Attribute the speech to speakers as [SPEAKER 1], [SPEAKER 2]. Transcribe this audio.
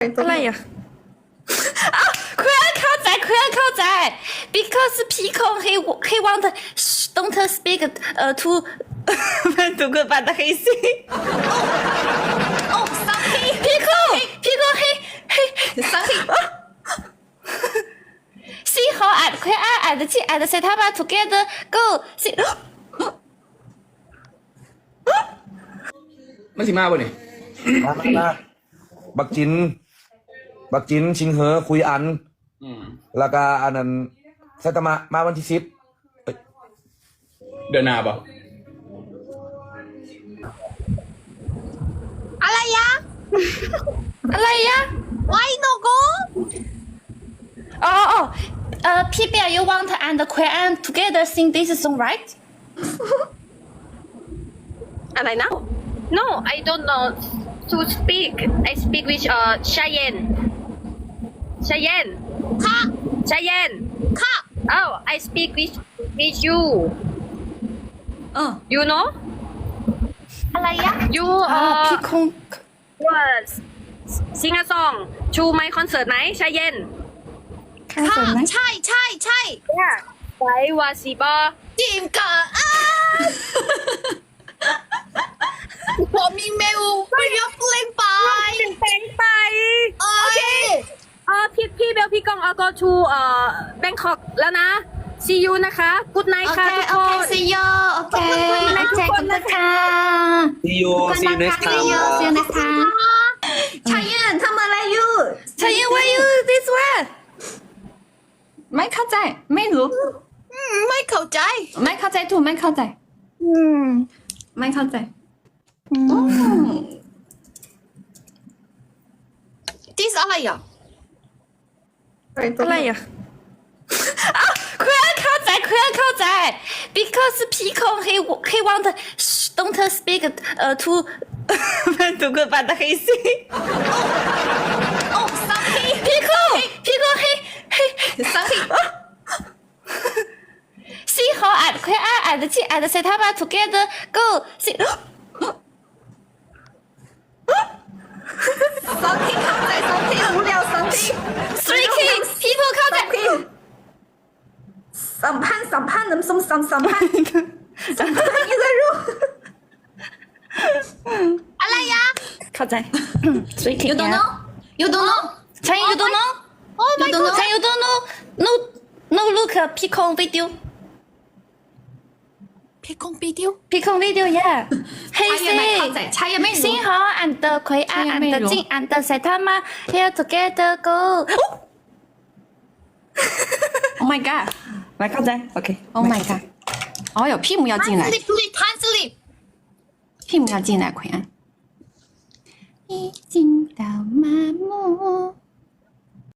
[SPEAKER 1] อะไรอ่ะคุณเข้าใจbecause Pico he want don't speak to มันถูกกด的黑心
[SPEAKER 2] Oh, sorry.
[SPEAKER 1] Pico he
[SPEAKER 2] Sorry.
[SPEAKER 1] see how at 佢at 的at 的 set up together go see
[SPEAKER 3] มันสิมาบ่นี่
[SPEAKER 4] มาบักจินชิงเหอคุยอันแล้วก็อันนั้นไซตามะมาวันที่10
[SPEAKER 3] เดือนหน้าบ่
[SPEAKER 2] อะไรยะ
[SPEAKER 1] อะไรอ่ะ
[SPEAKER 2] Why no go?
[SPEAKER 1] people you want and Quran together sing this song right
[SPEAKER 2] อะไรนะ
[SPEAKER 5] No, I don't know to speak. I speak with Cheyenne.
[SPEAKER 2] ค่ะ
[SPEAKER 5] Cheyenne.
[SPEAKER 2] ค่ะ
[SPEAKER 5] Oh, I speak with you.
[SPEAKER 2] เออ
[SPEAKER 5] You know?
[SPEAKER 2] อะไรยะ
[SPEAKER 5] You
[SPEAKER 1] Pico
[SPEAKER 5] was sing a song to my concert ไหม Cheyenne?
[SPEAKER 1] 看什么
[SPEAKER 2] ใช่
[SPEAKER 5] Yeah. ไปว่าสิบ่
[SPEAKER 2] จิมกะผมมีเมลไม่ยกเล่นไป
[SPEAKER 5] เพลงไป
[SPEAKER 2] โอเค
[SPEAKER 5] พี่เบลพี่กองgo to Bangkok แล้วนะ See you นะคะ Good night ค่ะทุกคน
[SPEAKER 1] see you โอเคเจอกันนะคะ
[SPEAKER 4] See you next time
[SPEAKER 1] see you next time ชายันทำอะไรอยู่ชายัน why you this way ไม่เข้าใจไม่รู้
[SPEAKER 2] ไม่เข้าใจ
[SPEAKER 1] ไม่เข้าใจถูกไม่เข้าใจไม่เข้าใจ
[SPEAKER 2] This อะไรอ่ะ
[SPEAKER 1] อะไรอ่ะคุณเข้าใจ because Pico he want don't speak to มันถูกกด的黑心
[SPEAKER 2] Oh, sorry.
[SPEAKER 1] Pico he
[SPEAKER 2] Sorry.
[SPEAKER 1] see how at 佢at 的at 的 set up together go see
[SPEAKER 2] Sorry เข้าใจ Sorry 无聊 Sorry
[SPEAKER 1] three king Pico เข้าใจ
[SPEAKER 2] สัมพันธ์น้ำส้มสัมพันธ์ยังไงรู้อะไรยะ
[SPEAKER 1] เข้าใจ three king
[SPEAKER 2] You don't know You don't know
[SPEAKER 1] ใช่ you don't know
[SPEAKER 2] Oh my
[SPEAKER 1] you don't know
[SPEAKER 2] god
[SPEAKER 1] ใช่ you don't know no look Pico video
[SPEAKER 2] พี่คงปีเดียว
[SPEAKER 1] Pico video yeah
[SPEAKER 2] ใช่ยังไม่เข้าใจใช่ยังไม่รู้
[SPEAKER 1] 幸好 and 葵安 and 静 and 谁他妈 here together go
[SPEAKER 6] Oh my god！来靠在，OK。Oh my god！哦哟，Pim 要进来
[SPEAKER 2] Sleep 贪 sleep
[SPEAKER 6] ，Pim 要进来，奎安。